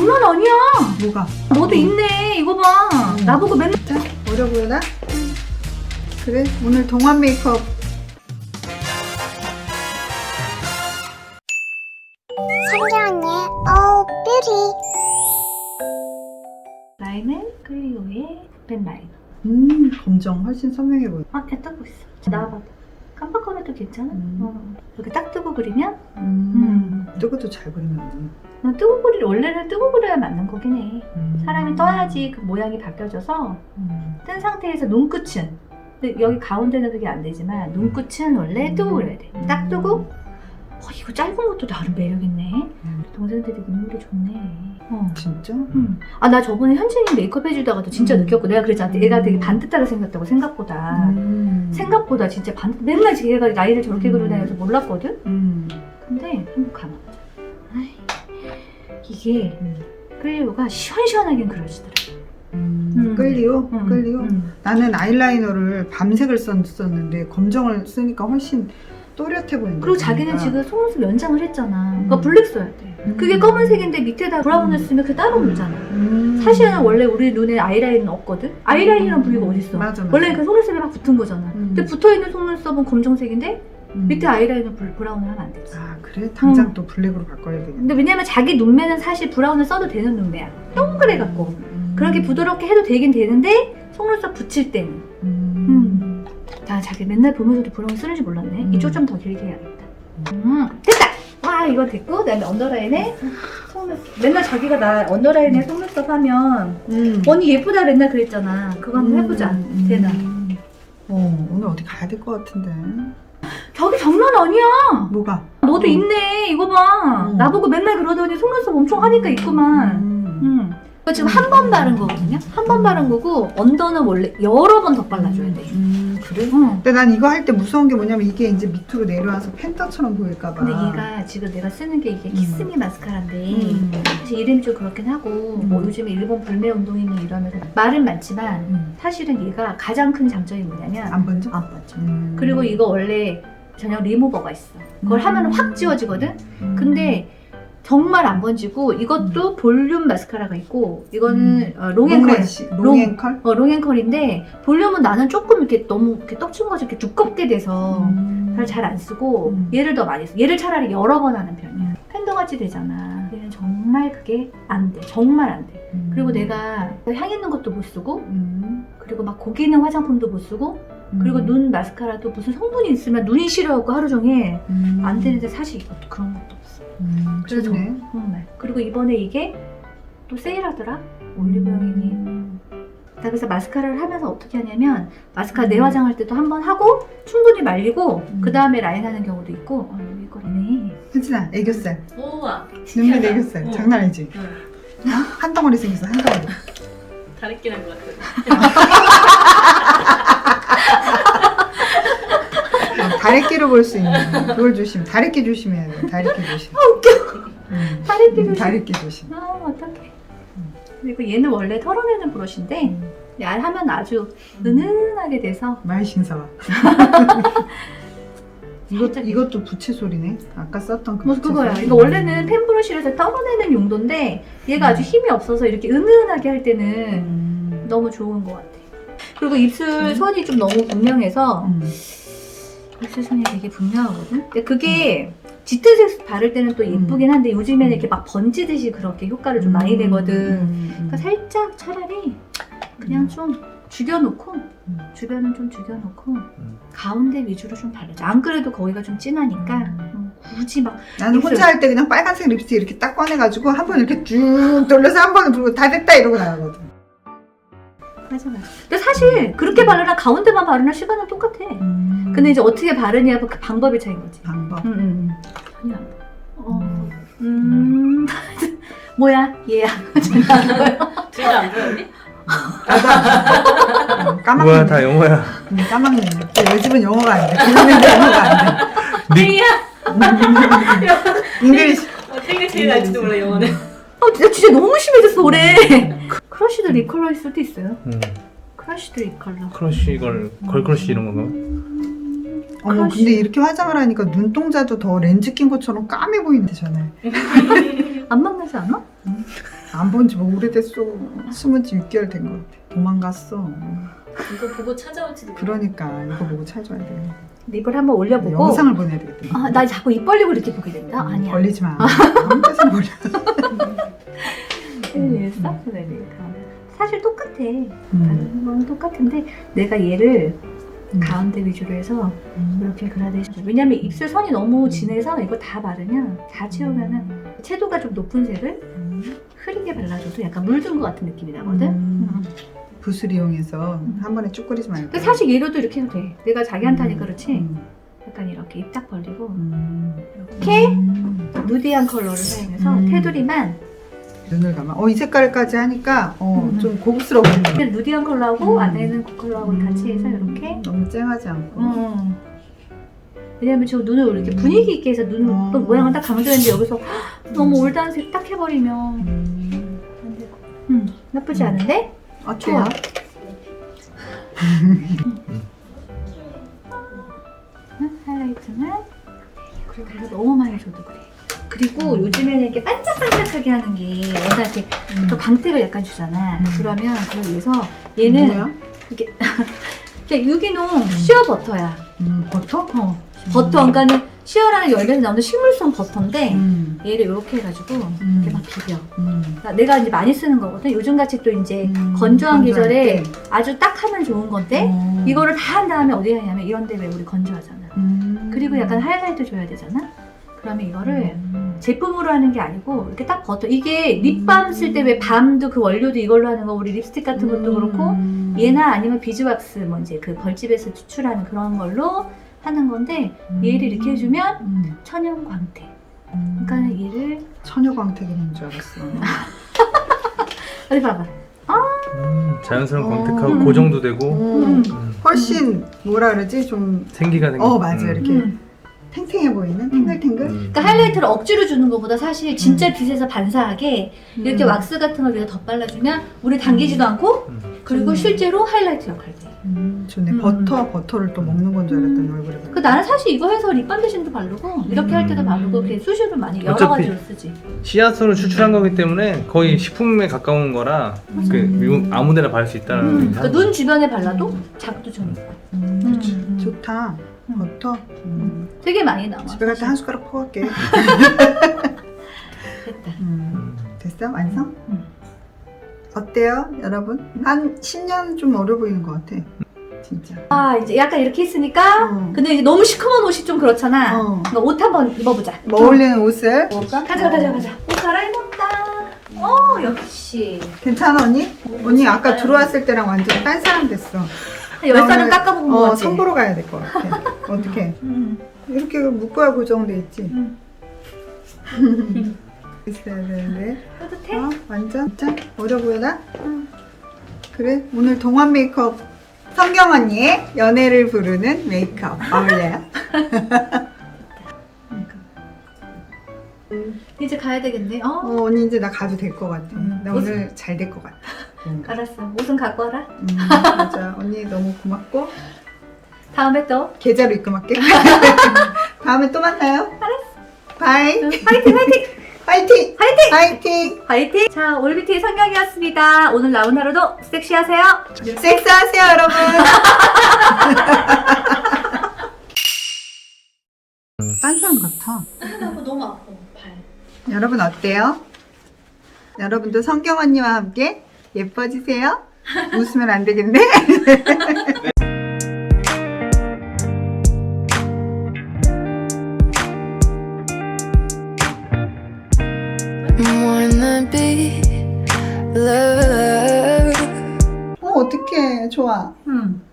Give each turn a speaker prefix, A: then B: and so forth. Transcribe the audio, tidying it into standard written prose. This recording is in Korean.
A: 장난 아니야.
B: 뭐가?
A: 너도 있네. 이거 봐. 나보고 맨날.
B: 자, 어려 보여라? 그래, 오늘 동안 메이크업.
C: 성경 언니의 Oh Beauty.
A: 라인은 클리오의 펜 라인.
B: 검정 훨씬 선명해 보여.
A: 아, 배 뜨고 있어. 나와봐. 깜빡거려도 괜찮아? 이렇게 딱 뜨고 그리면?
B: 뜨고도 잘 그리면.
A: 난 뜨고 그리 원래는 뜨고 그려야 맞는 거긴 해. 사람이 떠야지 그 모양이 바뀌어져서 뜬 상태에서 눈끝은, 근데 여기 가운데는 그게 안 되지만 눈끝은 원래 뜨고 그려야 돼. 딱 뜨고. 이거 짧은 것도 나름 매력있네. 동생들 되게 인물이 좋네.
B: 진짜?
A: 아, 나 저번에 현진이 메이크업 해주다가도 진짜 느꼈고, 내가 그랬잖아. 얘가 되게 반듯하게 생겼다고 생각보다. 생각보다 진짜 맨날 얘가 나이를 저렇게 그리나 해서 몰랐거든? 근데 한번 감아보자. 이게 클리오가 시원시원하게 그려지더라.
B: 끌리오? 끌리오? 나는 아이라이너를 밤색을 썼는데 검정을 쓰니까 훨씬 또렷해 보인다.
A: 그리고 자기는 지금 속눈썹 연장을 했잖아. 그러니까 블랙 써야 돼. 그게 검은색인데 밑에다 브라운을 쓰면 그게 따로 물잖아. 사실은 원래 우리 눈에 아이라인은 없거든? 아이라인이란 부위가 어딨어?
B: 맞아.
A: 원래 그 속눈썹에 막 붙은 거잖아. 근데 붙어있는 속눈썹은 검정색인데 밑에 아이라인은 브라운을 하면 안 되지.
B: 아, 그래? 당장 또 블랙으로 바꿔야 되겠네.
A: 근데 왜냐면 자기 눈매는 사실 브라운을 써도 되는 눈매야. 동그래갖고. 그렇게 부드럽게 해도 되긴 되는데 속눈썹 붙일 때는. 나 자기 맨날 보면서도 브라운 쓰는지 몰랐네. 이쪽 좀 더 길게 해야겠다. 됐다! 와, 이거 됐고, 그다음에 언더라인에 속눈썹. 맨날 자기가 나 언더라인에 속눈썹 하면 언니 예쁘다 맨날 그랬잖아. 그거 한번 해보자. 되나?
B: 오늘 어디 가야 될 것 같은데.
A: 저기 장난 아니야.
B: 뭐가?
A: 너도 있네. 이거 봐. 나보고 맨날 그러더니 속눈썹 엄청 하니까 있구만. 이거 지금 한 번 바른 거거든요. 한 번 바른 거고 언더는 원래 여러 번 더 발라줘야 돼.
B: 그래? 근데 난 이거 할 때 무서운 게 뭐냐면 이게 이제 밑으로 내려와서 펜타처럼 보일까봐.
A: 근데 얘가 지금 내가 쓰는 게 이게 키스미 마스카라인데 사실 이름이 좀 그렇긴 하고 뭐 요즘에 일본 불매 운동이니 이러면서 말은 많지만 사실은 얘가 가장 큰 장점이 뭐냐면
B: 안 번져?
A: 안 번져. 그리고 이거 원래 전용 리무버가 있어. 그걸 하면 확 지워지거든. 근데 정말 안 번지고 이것도 볼륨 마스카라가 있고 이거는 롱앤컬.
B: 롱앤컬?
A: 롱앤컬인데 볼륨은 나는 조금 이렇게 너무 이렇게 떡친 것이 이렇게 두껍게 돼서 잘 안 쓰고 얘를 더 많이 써. 얘를 차라리 여러 번 하는 편이야. 팬더같이 되잖아. 얘는 정말 그게 안 돼. 정말 안 돼. 그리고 내가 향 있는 것도 못 쓰고 그리고 막 고기 있는 화장품도 못 쓰고 그리고 눈 마스카라도 무슨 성분이 있으면 눈이 싫어하고 하루 종일 안 되는데 사실 이것도 그런 것도 없어. 그래서 정말. 그리고 이번에 이게 또 세일하더라. 올리브영이니. 나 그래서 마스카라를 하면서 어떻게 하냐면 마스카라 내화장할 때도 한 번 하고 충분히 말리고 그 다음에 라인 하는 경우도 있고. 이거네.
B: 현진아, 애교살.
D: 우와.
B: 눈밑 애교살. 장난 아니지? 한 덩어리 생겼어, 한 덩어리.
D: 다르게 난 것 같아.
B: 다래끼로 볼 수 있는 그걸 조심. 다래끼 조심해야 돼. 다래끼 조심.
A: 다래끼 조심.
B: 다래끼 조심.
A: 어떡해. 그리고 얘는 원래 털어내는 브러쉬인데 하면 아주 은은하게 돼서
B: 많이 신사와. 이것도 부채 소리네. 아까 썼던 그 부채
A: 그거야.
B: 소리.
A: 이거 원래는 펜 브러쉬에서 털어내는 용도인데 얘가 아주 힘이 없어서 이렇게 은은하게 할 때는 너무 좋은 것 같아. 그리고 입술 선이 좀 너무 분명해서 입술 선이 되게 분명하거든. 근데 그게 짙은 색 바를 때는 또 예쁘긴 한데 요즘에는 이렇게 막 번지듯이 그렇게 효과를 좀 많이 내거든. 그러니까 살짝 차라리 그냥 좀 죽여놓고 주변은 좀 죽여놓고 가운데 위주로 좀 바르자. 안 그래도 거기가 좀 진하니까 굳이 막
B: 나는 혼자 할 때 그냥 빨간색 립스틱 이렇게 딱 꺼내가지고 한 번 이렇게 쭉 돌려서 한 번에 부르고 다 됐다 이러고 나가거든.
A: 맞아. 근데 사실 그렇게 바르나 가운데만 바르나 시간은 똑같아. 근데 이제 어떻게 바르냐 그 방법이 차이인 거지.
B: 방법.
A: 전혀 안 보여. 뭐야? 얘야.
D: 둘 다 안 보였니?
B: 까막네.
E: 뭐야 다 영어야.
B: 까막네. 내 집은 영어가 안 돼. 그런데 영어가 안 돼. 잉글리시.
D: 생일 제일 날지도 몰라 영어는.
A: 진짜 너무 심해졌어 올해. 크러쉬드 립 컬러일 수도 있어요. 크러쉬드 립 컬러.
E: 크러쉬 이걸 걸크러쉬 이런 건가?
B: 어머
A: 크러쉬.
B: 근데 이렇게 화장을 하니까 눈동자도 더 렌즈 낀 것처럼 까매 보이는데 전에
A: 안 만나지 않아?
B: 안 본 지 뭐 오래됐어. 숨은 지 6개월 된 것 같아. 도망갔어.
D: 이거 보고 찾아올지도 몰라.
B: 그러니까 이거 보고 찾아야 돼.
A: 립을 한번 올려보고.
B: 영상을 보내야 되겠다.
A: 아, 나 자꾸 입 벌리고 이렇게 보게 된다? 아니야.
B: 걸리지 마. 아무 데서나 걸려.
A: 했어? 그래, 사실 똑같아. 다른 건 똑같은데 내가 얘를 가운데 위주로 해서 이렇게 그라데이션. 왜냐면 입술 선이 너무 진해서 이거 다 바르면 다 채우면은 채도가 좀 높은 색을 흐리게 발라줘도 약간 물든 것 같은 느낌이 나거든.
B: 붓을 이용해서 한 번에 쭉 뿌리지 말고.
A: 근데 사실 얘로도 이렇게 해도 돼. 내가 자기한테 하니까 그렇지.
B: 음.
A: 약간 이렇게 입 딱 벌리고
B: 음.
A: 이렇게
B: 음.
A: 누디한 컬러를 사용해서 테두리만
B: 눈을 감아. 이 색깔까지 하니까
A: 음.
B: 좀 고급스러워.
A: 그냥 누디한 컬러하고 안에는 그 컬러하고 같이 해서 이렇게.
B: 너무 쨍하지 않고.
A: 왜냐면 저 눈을 이렇게 분위기 있게 해서 눈 모양을 딱 강조했는데 여기서 너무 올드한색 딱 해버리면 안 되고. 나쁘지 않은데?
B: 어때요?
A: 하이라이트는 그리고 너무 많이 줘도 그래. 그리고 요즘에는 이렇게 반짝반짝하게 하는 게 뭔가 이렇게 또 광택을 약간 주잖아. 그러면 그걸 위해서 얘는
B: 뭐야?
A: 이렇게 그냥 유기농 시어 버터야.
B: 버터?
A: 버터, 그러니까는 시어라는 열매에서 나오는 식물성 버터인데 얘를 이렇게 해가지고 이렇게 막 비벼. 그러니까 내가 이제 많이 쓰는 거거든. 요즘같이 또 이제 건조한 계절에 아주 딱 하면 좋은 건데 이거를 다 한 다음에 어디에 하냐면 이런 데 왜 우리 건조하잖아. 그리고 약간 하이라이트 줘야 되잖아. 그러면 이거를 제품으로 하는 게 아니고 이렇게 딱 버터. 이게 립밤 쓸 때 왜 밤도 그 원료도 이걸로 하는 거, 우리 립스틱 같은 것도 그렇고 얘나 아니면 비즈왁스 뭐 이제 그 벌집에서 추출하는 그런 걸로 하는 건데 얘를 이렇게 해주면 천연 광택. 그러니까 얘를
B: 처녀 광택인 줄 알았어.
A: 어디 봐봐.
E: 자연스러운 광택하고 고정도 되고
B: 훨씬 뭐라 그러지? 좀
E: 생기가 생겨.
B: 맞아. 이렇게 탱탱해 보이는? 탱글탱글?
A: 그러니까 하이라이트를 억지로 주는 것보다 사실 진짜 빛에서 반사하게 이렇게 왁스 같은 걸 위에 덧발라주면 물에 당기지도 않고 그리고 실제로 하이라이트 역할을 해.
B: 좋네. 버터를 또 먹는 건 줄 알았더니 얼굴에
A: 그 나는 사실 이거 해서 립밤 대신도 바르고 이렇게 할 때도 바르고 이렇게 수시로 많이 여러
E: 어차피
A: 가지로 쓰지.
E: 씨앗으로 추출한 거기 때문에 거의 식품에 가까운 거라 그 아무데나 바를 수 있다는
A: 그러니까 눈 주변에 발라도 자극도 좀 있고.
B: 좋다. 버터.
A: 되게 많이 나와.
B: 집에 갈 때 한 숟가락 퍼갈게.
A: 됐다.
B: 됐어? 완성? 어때요, 여러분? 한 10년 좀 어려 보이는 것 같아. 진짜.
A: 아 이제 약간 이렇게 했으니까 근데 이제 너무 시커먼 옷이 좀 그렇잖아. 그러니까 옷 한번 입어보자.
B: 뭐 어울리는 옷을
A: 가자. 옷 갈아입었다. 역시.
B: 괜찮아 언니? 언니 아까 들어왔을 때랑 완전 딴 사람 됐어.
A: 열 살은 깎아본 거 같지?
B: 선보러 가야 될 것 같아. 어떻게? 이렇게 묶어야 고정돼 있지. 있어야 되는데.
A: 뿌듯해?
B: 완전? 진짜? 어려 보여나? 그래? 오늘 동안 메이크업 성경 언니의 연애를 부르는 메이크업 어울려요?
A: 이제 가야 되겠네.
B: 언니 이제 나 가도 될 것 같아. 나
A: 옷-
B: 오늘 잘 될 것 같아. 뭔가.
A: 알았어. 옷은 갖고 와라.
B: 맞아. 언니 너무 고맙고
A: 다음에 또.
B: 계좌로 입금할게. 다음에 또 만나요. 알았어. 바이.
A: 화이팅!
B: 화이팅! 화이팅!
A: 화이팅! 자, 올비티 성경이었습니다. 오늘 나온 하루도 섹시하세요.
B: 섹스하세요, 여러분. 딴 사람 같아.
A: 너무 아파, 발.
B: 여러분 어때요? 여러분도 성경 언니와 함께 예뻐지세요? 웃으면 안 되겠네.
F: wanna be loved.
B: 어떡해. 좋아.
A: 응.